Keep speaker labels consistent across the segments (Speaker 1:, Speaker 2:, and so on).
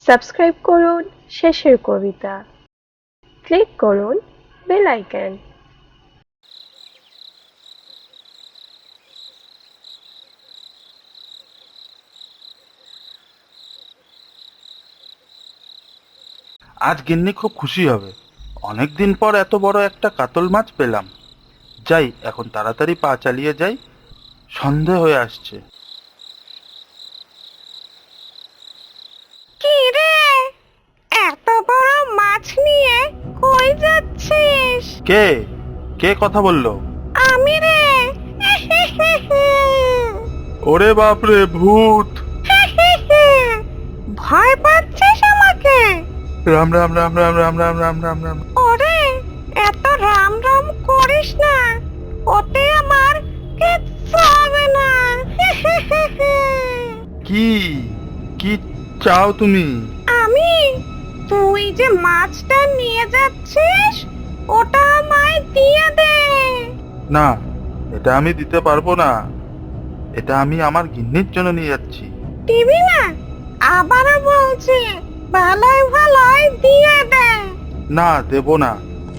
Speaker 1: Subscribe করুন Shesher Kobita, click করুন bell icon.
Speaker 2: আজ গিন্নি খুব খুশি হবে। অনেকদিন পর এত বড় একটা কাতল মাছ পেলাম। যাই এখন তাড়াতাড়ি পা চালিয়ে যাই, সন্ধে হয়ে আসছে।
Speaker 3: কি রে, এত বড় মাছ নিয়ে কই যাচ্ছিস?
Speaker 2: কে কে কথা বললো?
Speaker 3: আমি রে।
Speaker 2: ওরে বাপরে, ভূত!
Speaker 3: ভয় পাচ্ছিস আমাকে?
Speaker 2: রাম রাম রাম রাম রাম রাম রাম রাম রাম।
Speaker 3: ওরে, এত রাম রাম করিস না, ওতে আমার কিচ্ছু হবে না।
Speaker 2: কি কি চাও তুমি?
Speaker 3: আমি, তুই যে মাছটা নিয়ে যাচ্ছিস ওটা আমায় দিয়ে দে।
Speaker 2: না, এটা আমি দিতে পারবো না। এটা আমি আমার গিন্নির জন্য নিয়ে যাচ্ছি।
Speaker 3: দিবি না? আবারও বলছি, ভালোই ভালোই দিয়ে দে।
Speaker 2: না, দেবো না।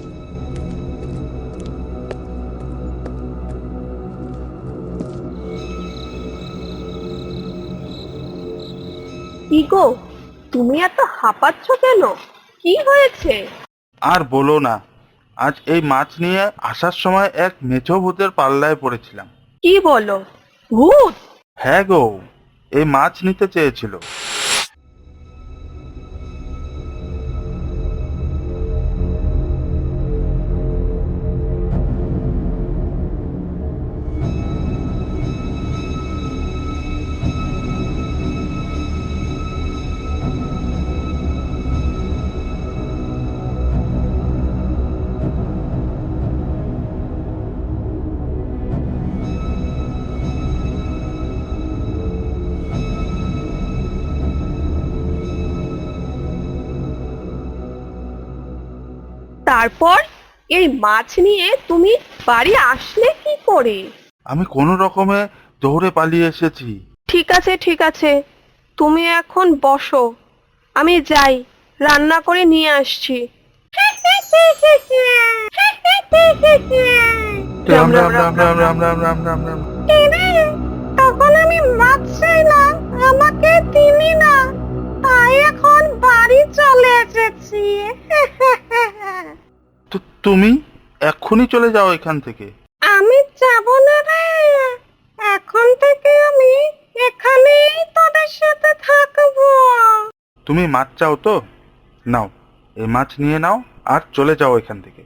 Speaker 3: কি গো, তুমি এত হাঁপাচ্ছ কেন? কি হয়েছে?
Speaker 2: আর বলো না, আজ এই মাছ নিয়ে আসার সময় এক মেছো ভূতের পাল্লায় পড়েছিলাম।
Speaker 3: কি বলো, ভূত?
Speaker 2: হ্যাঁ গো, এই মাছ নিতে চেয়েছিল।
Speaker 3: তারপর এই মাছ নিয়ে তুমি বাড়ি আসলে কি করে?
Speaker 2: আমি কোনো রকমে দৌড়ে পালিয়ে এসেছি।
Speaker 3: ঠিক আছে ঠিক আছে, তুমি এখন বসো, আমি যাই, রান্না করে নিয়ে আসছি।
Speaker 2: রাম রাম রাম রাম রাম রাম রাম রাম রাম।
Speaker 3: তখন আমি মাছ চাইলাম, আমাকে দিলি না, তাই এখন বাড়ি চলে এসেছি।
Speaker 2: তো তুমি এক্ষুনি চলে যাও এখান থেকে।
Speaker 3: আমি যাব না রে, এখন থেকে আমি এখানেই তোদের সাথে থাকবো।
Speaker 2: তুমি মাছ চাও তো? নাও, এই মাছ নিয়ে নাও আর চলে যাও এখান থেকে।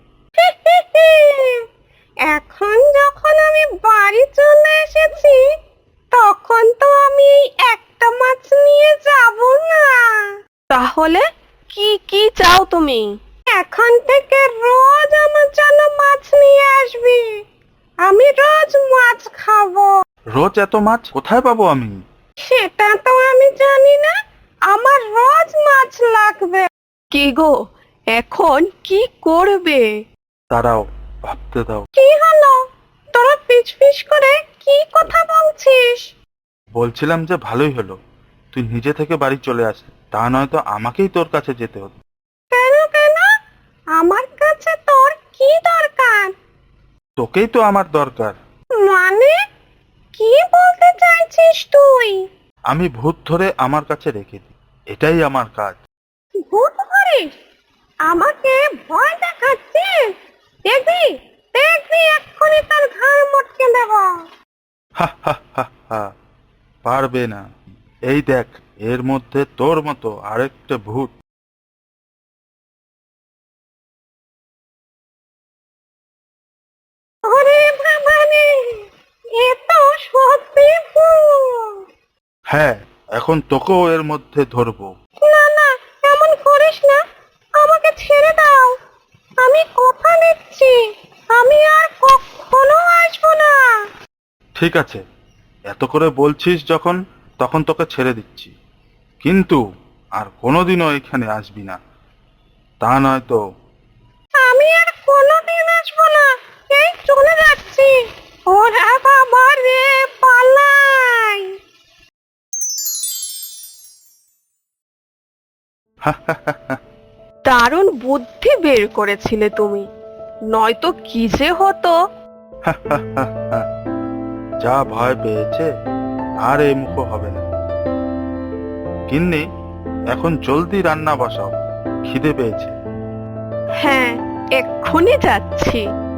Speaker 3: এখন যখন আমি বাড়ি চলে এসেছি, তখন তো আমি এই একটা মাছ নিয়ে যাব না। তাহলে কি কি চাও তুমি? এখন থেকে রোজ আমার জন্য মাছ নিয়ে আসবি, আমি রোজ মাছ খাবো।
Speaker 2: রোজ এত মাছ কোথায় পাবো আমি?
Speaker 3: সেটা তো আমি জানি না, আমার রোজ মাছ লাগবে। কি গো, এখন কি করবে?
Speaker 2: দাঁড়াও, ভাবতে দাও।
Speaker 3: কি হলো, তোরা পিছ পিছ করে কি কথা বলছিস?
Speaker 2: বলছিলাম যে ভালোই হলো তুই নিজে থেকে বাড়ি চলে আসলি, তা নয়তো আমাকেই তোর কাছে যেতে হতো।
Speaker 3: কেন কেন, আমার কাছে তোর কি দরকার?
Speaker 2: তোকেই তো আমার দরকার।
Speaker 3: মানে, কি বলতে চাইছিস তুই?
Speaker 2: আমি ভূত ধরে আমার কাছে রেখে দিই, এটাই আমার কাজ।
Speaker 3: ভূত ধরিস? আমাকে ভয় দেখাচ্ছিস? দেখবি, দেখবি এক্ষুনি তোর ঘাড় মটকে দেব।
Speaker 2: হা হা হা হা, পারবে না। এই দেখ, এর মধ্যে তোর মতো আরেকটা ভূত।
Speaker 3: ওরে বাবারে, এ তো সত্যি ভূত।
Speaker 2: হ্যাঁ, এখন তোকেও এর মধ্যে ধরবো।
Speaker 3: না না, এমন করিস না, আমাকে ছেড়ে দাও, আমি কথা দিচ্ছি, আমি আর কখনো আসবো না।
Speaker 2: ঠিক আছে, এত করে বলছিস যখন, তখন তোকে ছেড়ে দিচ্ছি, কিন্তু আর কোনোদিনও এখানে আসবি না, তা নয়তো।
Speaker 3: আমি আর কোনোদিন আসবো না, এই চলে যাচ্ছি। ওরা বাবা রে, পালাই। দারুণ বুদ্ধি বের করেছিলে তুমি, নয়তো কি যে হতো।
Speaker 2: যা ভয় পেয়েছে আর এই মুখ হবে না। গিন্নি, এখন জলদি রান্না বসাও, খিদে পেয়েছে।
Speaker 3: হ্যাঁ, এক্ষুনি যাচ্ছি।